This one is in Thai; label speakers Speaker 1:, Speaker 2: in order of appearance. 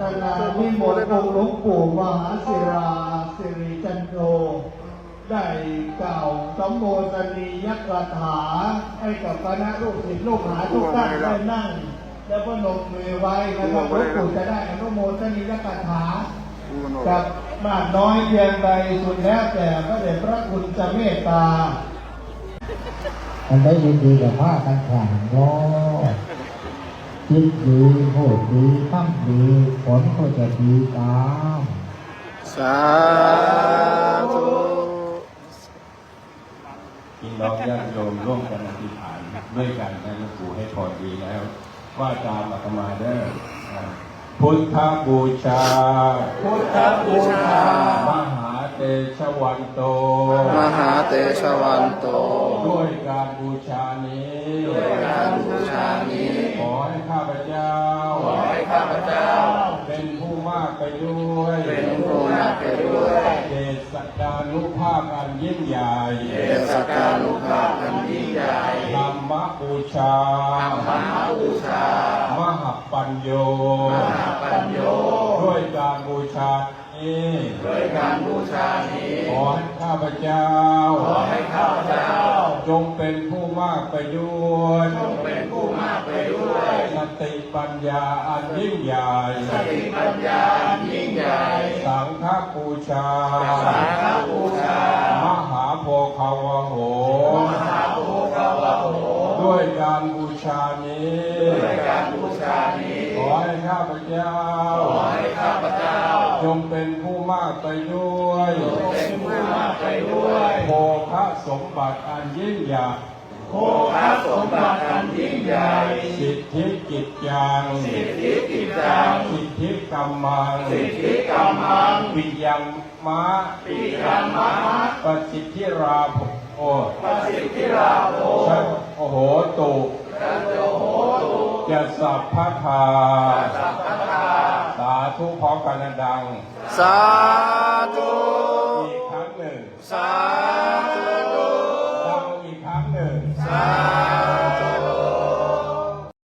Speaker 1: นาวิมลองค์หลวงปู่มหาศิราสิริจันโทได้กล่าวสัมโภชนียกถาให้กับคณะลูกศิษย์ลูกหาทุกท่านได้นั่งแล้วก็นมมือไว้นะครับหลวงปู่จะได้อนุโมทนียกถากับมากน้อยเพียงใดสุดแล้วแต่พระเดชพระคุณจะเมตตา
Speaker 2: อันได้ดีๆกับผ้ากันขางล้อคิดดีพูดดีทำดีผลก็จะดีตาม
Speaker 3: สาธุ
Speaker 1: พี่น้องญาติโยมร่วมกันอธิษฐานด้วยกันนะหลวงปู่ให้พอดีแล้วว่าตามอาตมาเด้อพุทธบูชาพุทธบูชามหาเตชะวันโต
Speaker 3: มหาเตชะวันโต
Speaker 1: ด้วยการบูชานี้
Speaker 3: ด้วยการบูชานี้
Speaker 1: ขอให้ข้าพเจ้าเป็นผู้มากไปด้วย
Speaker 3: เป็นผู้มากไปด้วย
Speaker 1: เดชสักการุภาพอันยิ่งใหญ่
Speaker 3: เดชสักการุภาพอันยิ่งใหญ่
Speaker 1: ธรรมบูชามหาปัญโยด้วยการบูชานี้ขอให้ข้าพเจ้าจงเป็นผู้มากไปด้วยสติปัญญาอันยิ่งใหญ่สังฆบูชามหาโพคาวโหด้วยการบูชานี้ขอให้ข้าพเจ้าจงเป็นผู้มากไปด้วยโภคสมบัติอันยิ่งใหญ่สิทธิกิจยังสิทธิกรรมังปิยังมะปสิทธิราโภชัตโอโหตุจะสัพพทาสาธุพร้อมกันดัง
Speaker 3: สาธุ